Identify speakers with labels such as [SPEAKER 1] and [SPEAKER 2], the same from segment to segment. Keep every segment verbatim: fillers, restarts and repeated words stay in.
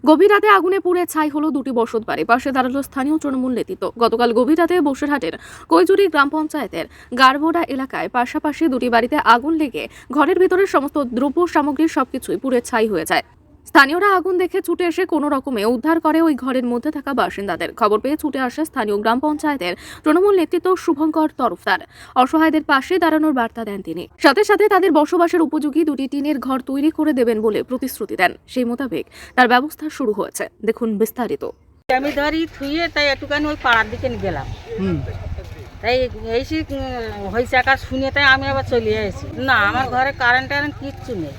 [SPEAKER 1] গভীর রাতে আগুনে পুড়ে ছাই হলো দুটি বসত বাড়ি। পাশে দাঁড়ালো স্থানীয় তৃণমূল নেতৃত্ব। গতকাল গভীর রাতে বসিরহাটের কৈজুরি গ্রাম পঞ্চায়েতের গারবোডা এলাকায় পাশাপাশি দুটি বাড়িতে আগুন লেগে ঘরের ভিতরের সমস্ত দ্রব্য সামগ্রী সবকিছুই পুড়ে ছাই হয়ে যায়। স্থানীয়রা আগুন দেখে ছুটে এসে কোনো রকমে উদ্ধার করে ওই ঘরের মধ্যে থাকা বাসিন্দাদের। খবর পেয়ে ছুটে আসে স্থানীয় গ্রাম পঞ্চায়েতের তৃণমূল নেতৃত্ব শুভঙ্কর তরফদার। অসহায়দের পাশে দাঁড়ানোর বার্তা দেন তিনি। সাথে সাথে তাদের বসবাসের উপযোগী দুটি টিনের ঘর তৈরি করে দেবেন বলে প্রতিশ্রুতি দেন। সেই মোতাবেক তার ব্যবস্থা শুরু হয়েছে। দেখুন বিস্তারিত।
[SPEAKER 2] আমি ধরি থুয়ে তাই একটুখানি ওই পাড়ার দিকে গেলাম, তাই এসে হয়েছে আকাশ শুনে তাই আমি আবার চলে এসেছি। না, আমার ঘরে কারেন্ট টারেন্ট কিচ্ছু নেই,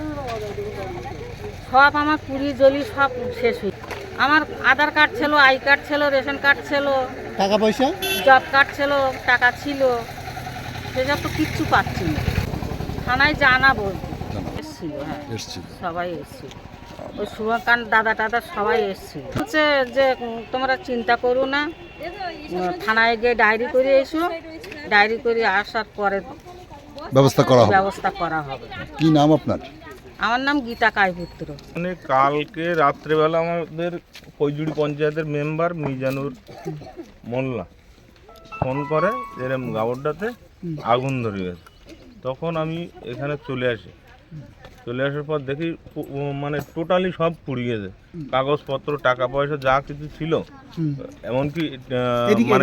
[SPEAKER 2] সব আমার পুরি জলি সব শেষ হয়ে। আমার আধার কার্ড ছিল, আই কার্ড ছিল, রেশন কার্ড ছিল,
[SPEAKER 3] টাকা পয়সা
[SPEAKER 2] জব কার্ড ছিল, টাকা ছিল, সেসব তো কিচ্ছু পাচ্ছি না। থানায় জানাবো এসেছিল, হ্যাঁ সবাই এসেছিল, ওই শুভকান্ত দাদা টাদা সবাই এসেছিল। হচ্ছে যে তোমরা চিন্তা করো না, থানায় গিয়ে ডায়েরি করে এসো, ডায়েরি করে আসার পরে
[SPEAKER 4] ব্যবস্থা করা হবে।
[SPEAKER 2] ব্যবস্থা করা হবে।
[SPEAKER 4] কি নাম আপনার?
[SPEAKER 2] আমার নাম গীতা কায়পুত্র।
[SPEAKER 5] মানে কালকে রাত্রেবেলা আমাদের কৈজুড়ি পঞ্চায়েতের মেম্বার মিজানুর মোল্লা ফোন করে এরম গাবরটাতে আগুন ধরে গেছে। তখন আমি এখানে চলে আসি, চলে আসার পর দেখি মানে টোটালি সব পুড়ে গেছে, কাগজপত্র, টাকা পয়সা যা কিছু ছিল, এমনকি মানে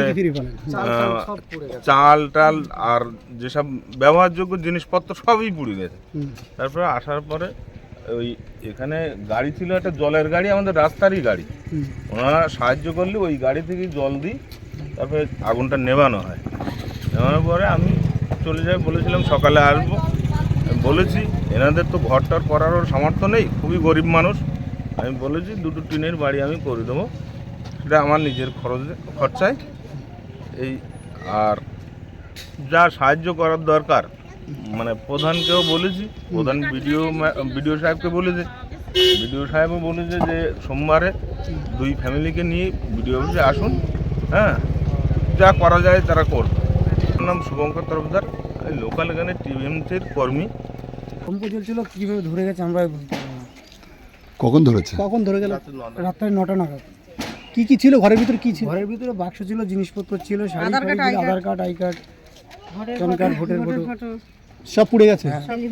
[SPEAKER 5] চাল টাল আর যেসব ব্যবহারযোগ্য জিনিসপত্র সবই পুড়ে গেছে। তারপরে আসার পরে ওই এখানে গাড়ি ছিল, একটা জলের গাড়ি, আমাদের রাস্তারই গাড়ি, ওনারা সাহায্য করলে ওই গাড়ি থেকে জল দিই, তারপরে আগুনটা নেভানো হয়। নেভানোর পরে আমি চলে যাই, বলেছিলাম সকালে আসবো, বলেছি এনাদের তো ঘরটার করারও সামর্থ্য নেই, খুবই গরিব মানুষ, আমি বলেছি দুটো টিনের বাড়ি আমি করে দেবো, সেটা আমার নিজের খরচে খরচায়। এই আর যা সাহায্য করার দরকার মানে প্রধানকেও বলেছি, প্রধান বিডিও বিডিও সাহেবকে বলেছে, বিডিও সাহেবও বলেছে যে সোমবারে দুই ফ্যামিলিকে নিয়ে বিডিও অফিসে আসুন, হ্যাঁ যা করা যায় তারা করবে। আমার নাম শুভঙ্কর তরফদার, লোকাল এখানে টিএমসির কর্মী।
[SPEAKER 3] কম্প চলছিল, কীভাবে ধরে গেছে আমরা বলতে পারবো না।
[SPEAKER 4] কখন ধরেছে?
[SPEAKER 3] কখন ধরে গেল? রাত্রে নটা নাগাদ। কি কি ছিল ঘরের ভিতরে? কি ছিল ঘরের ভিতরে? বাক্স ছিল, জিনিসপত্র ছিল, Aadhaar card, Aadhaar card, I card, PAN card, voter photo সব পুড়ে গেছে।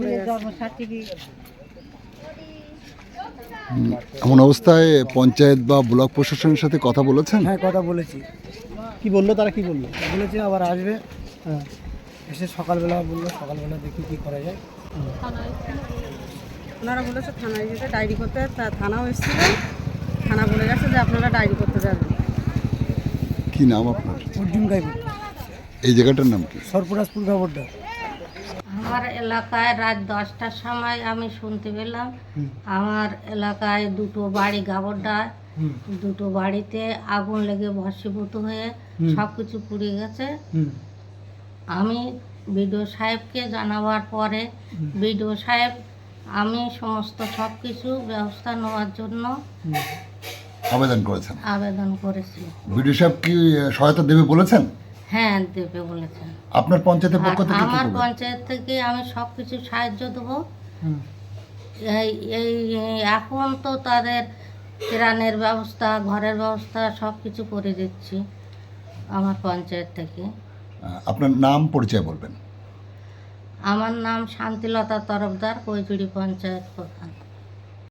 [SPEAKER 4] এমন অবস্থায় পঞ্চায়েত বা ব্লক প্রশাসনের সাথে কথা বলেছেন?
[SPEAKER 3] হ্যাঁ, কথা বলেছি। কি বললো তারা? কি বললো? বলেছে আবার আসবে, হ্যাঁ এসে সকালবেলা বললো, সকালবেলা দেখি কি করা যায়।
[SPEAKER 2] ওনারা বলেছে থানায় যেতে, ডায়েরি করতে, থানাও এসেছিল, থানা বলে গেছে যে আপনারা ডায়েরি করতে যাবেন।
[SPEAKER 4] কি নাম আপনার?
[SPEAKER 3] অর্জুন গাইব।
[SPEAKER 4] এই জায়গাটার নাম কি?
[SPEAKER 3] সরপুরাজপুর গাবরডা।
[SPEAKER 6] আমার এলাকায় রাত দশটার সময় আমি শুনতে পেলাম আমার এলাকায় দুটো বাড়ি গাবরডায়, দুটো বাড়িতে আগুন লেগে ভস্মীভূত হয়ে সব কিছু পুড়ে গেছে। আমি বিডিও সাহেবকে জানাবার পরে বিডিও সাহেব আমি সমস্ত সব কিছু ব্যবস্থা নেওয়ার জন্য
[SPEAKER 4] আবেদন করেছেন?
[SPEAKER 6] আবেদন করেছি।
[SPEAKER 4] বিডিও সাহেব কি সহায়তা দেবে বলেছেন?
[SPEAKER 6] হ্যাঁ দেবে বলেছেন।
[SPEAKER 4] আপনার পঞ্চায়েতের পক্ষ থেকে?
[SPEAKER 6] আমার পঞ্চায়েত থেকে আমি সব কিছু সাহায্য দেবো। এই এই এখন তো তাদের ত্রাণের ব্যবস্থা, ঘরের ব্যবস্থা সব কিছু করে দিচ্ছি আমার পঞ্চায়েত থেকে।
[SPEAKER 4] আপনার নাম পরিচয় বলবেন?
[SPEAKER 6] আমার নাম শান্তিলতা তরফদার, কৈজুড়ি পঞ্চায়েত প্রধান।